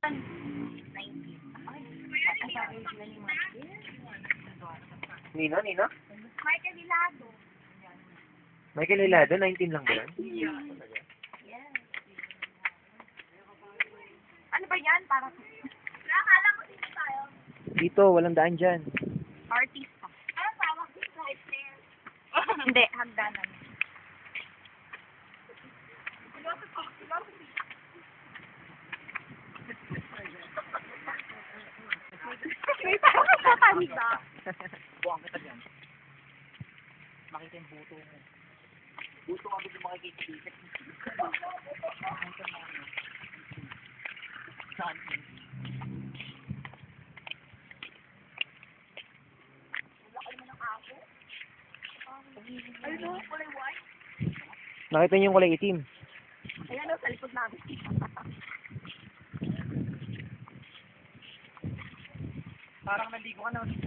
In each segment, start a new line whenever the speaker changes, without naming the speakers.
Nino, Nino?
Michael Hilado.
Michael Hilado, 19 lang ba yan?
Yes. Ano ba yan? Parang... Nakakala ko dito tayo.
Dito, walang daan dyan.
Artista. Ano tawag dito? Right there. Hindi, hagdanan. May parang katanda.
Buwang kita dyan. Makita yung buto mo. Buto nga dito makikita dito. Saan?
Ayun o, kulay white.
Nakita niyo yung kulay itim.
Ayan o, sa likod namin.
Parang naligo ka na ulit.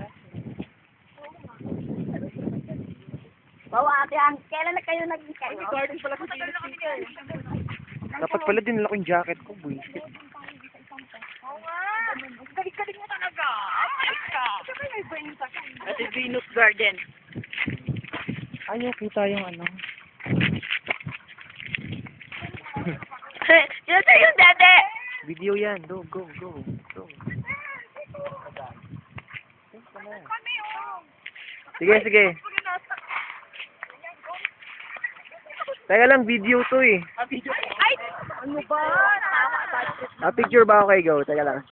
Bawa ate, kailan na kayo naging kayo?
Garden pala sa
Dapat pala dinala ko yung jacket ko, boy.
Oo nga. Galing-galing mo talaga. Ay ka. Saka may brain ka.
Ate Venus Garden.
Ayaw kita yung ano.
Yun na yung dede.
Video yan. Go.
Kami o.
Sige. Teka lang, video to eh.
Ah, video.
Ay! Ano ba? Tama.
Picture ba ako kay Go? Teka lang.